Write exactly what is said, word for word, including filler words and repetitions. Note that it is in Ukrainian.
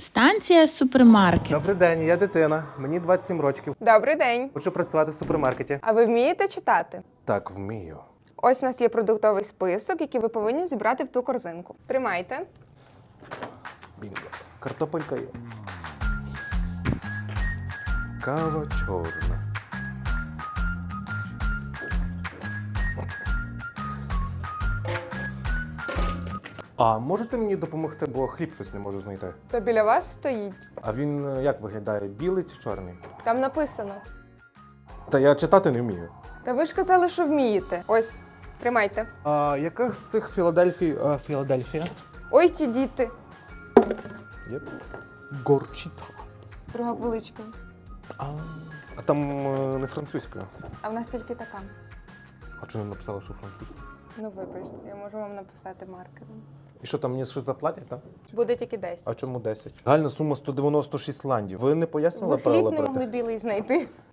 Станція супермаркет. Добрий день, я дитина. Мені двадцять сім років. Добрий день. Хочу працювати в супермаркеті. А ви вмієте читати? Так, вмію. Ось у нас є продуктовий список, який ви повинні зібрати в ту корзинку. Тримайте. Бінго. Картопелька є. Кава чорна. А можете мені допомогти, бо хліб щось не можу знайти. То біля вас стоїть. А він е, як виглядає? Білий чи чорний? Там написано. Та я читати не вмію. Та ви ж казали, що вмієте. Ось, тримайте. А яка з цих Філадельфій? А, Філадельфія? Ой, ті діти. Є. Горчиця. Друга поличка. А, а там е, не французька. А в нас тільки така. А чому не написала, що французька? Ну, вибачте, я можу вам написати маркером. І що там мені щось заплатять, так? Буде тільки десять. А чому десять? Загальна сума сто дев'яносто шість ландів. Ви не пояснили Ви правила хліб не брати? могли білий знайти.